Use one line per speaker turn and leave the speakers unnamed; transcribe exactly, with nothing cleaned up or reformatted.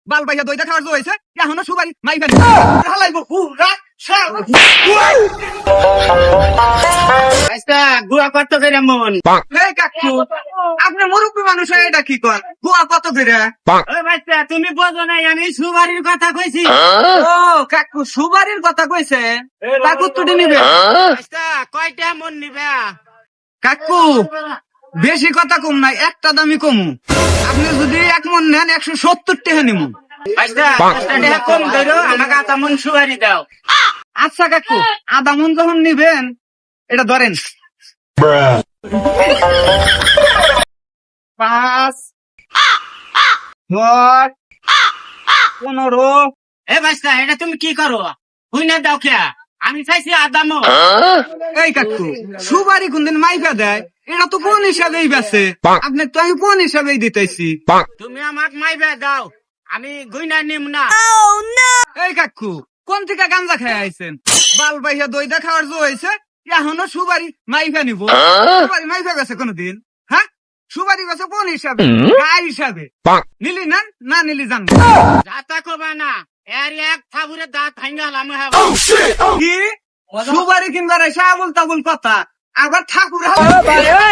বাল বাইয়া দইটা খাওয়ার জো হয়েছে এখনো সুবারি মাই ফেলে হালাইবো পুরা
গুয়া কত করে মন?
এই কাকু আপনি মুরব্বী মানুষ হয়ে এটা কি কর গুয়া কত করে?
ওই বাচ্চা তুমি বোঝো নাই, আমি সুবারির কথা কইছি।
ও কাকু সুবারির কথা কইছে, কাকু তুটি নিবে
বাচ্চা কয়টা মন নিবে?
কাকু বেশি কথা কম নাই, একটা দামি কমু। আপনি যদি এক মন নেন একশো সত্তর টাকা নিমু।
বাচ্চা দশটা টাকা কম ধরো, আমাকে আধা মন সুবারি দাও।
আচ্ছা কাকু আধা মন যখন নিবেন এটা ধরেন, পাঁচ দশ পনেরো।
এ বাচ্চা এটা তুমি কি করো? হুই না দাও খেয়া, আমি চাইছি আধা মন।
এই কাকু সুবারি কোনদিন মাইফা দেয়? এটা তো কোন হিসাবেই বেছে, আপনি তো আমি কোন হিসাবেই দিতেছি।
তুমি আমাকে মাইবে দাও, আমি গুইনা নিম না।
এই কাকু কোন থেকে গাঞ্জা খেয়ে আইছেন? বাল বাইয়া দইটা খাওয়ার জো হয়েছে এখনো সুবারি মাইফা নিব? সুবারি মাইফা গেছে কোনদিন? হ্যাঁ সুবারি গেছে কোন হিসাবে? গায়ে হিসাবে নিলি না না নিলি জান
যাতা কবা না, এর এক থাবুরে দাঁত ভাঙ্গালাম।
কি সুবারি কিনবার এসে আবুল তাবুল কথা আবার ঠাকুর